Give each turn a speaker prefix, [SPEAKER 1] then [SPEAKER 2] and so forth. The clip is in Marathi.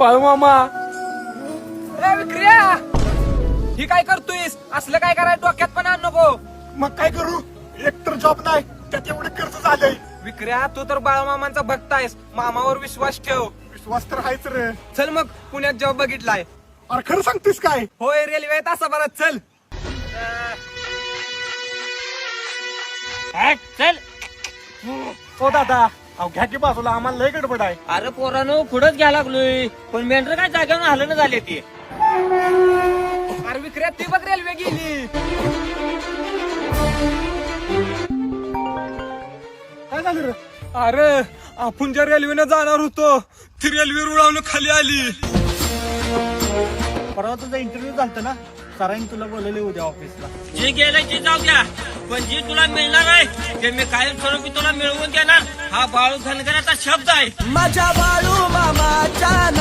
[SPEAKER 1] बाळू मामा.
[SPEAKER 2] ए विक्रिया, ही काय करतोयस? असलं काय करायला डोक्यात पण आण नको.
[SPEAKER 3] मग काय करू? एकतर जॉब नाही, त्यात एवढे कर्ज झालंय.
[SPEAKER 2] विक्रिया, तू तर बाळूमामांचा भक्त आहेस, मामावर विश्वास ठेव.
[SPEAKER 3] विश्वास तर हायच रे.
[SPEAKER 2] चल मग, पुण्यात जॉब बघितलाय.
[SPEAKER 3] अरे खरं सांगतेस काय?
[SPEAKER 2] होय, रेल्वे तासाभरात. चल
[SPEAKER 4] चल.
[SPEAKER 3] हो दादा, अहो घ्या की बाजूला, आम्हाला लय गडबड आहे.
[SPEAKER 4] अरे पोरानो पुढंच घ्या लागलोय, पण मेंढर काय जागेवर हलणं झाले ते.
[SPEAKER 2] अरे विक्रिया, ती बघ रेल्वे गेली.
[SPEAKER 3] काय झालं रे?
[SPEAKER 2] अरे आपण ज्या रेल्वेनं जाणार होतो ती रेल्वे रुळावून खाली आली.
[SPEAKER 3] परवा तुझा इंटरव्ह्यू झालता ना, सरांनी तुला बोलवले उद्या ऑफिसला.
[SPEAKER 4] जे गेलं ते जाऊ द्या, पण जे तुला मिळणार आहे ते मी कायमस्वरूपी तुला मिळवून देणार. हा बाळू धनगराचा शब्द आहे.
[SPEAKER 5] माझ्या बाळू मामाच्या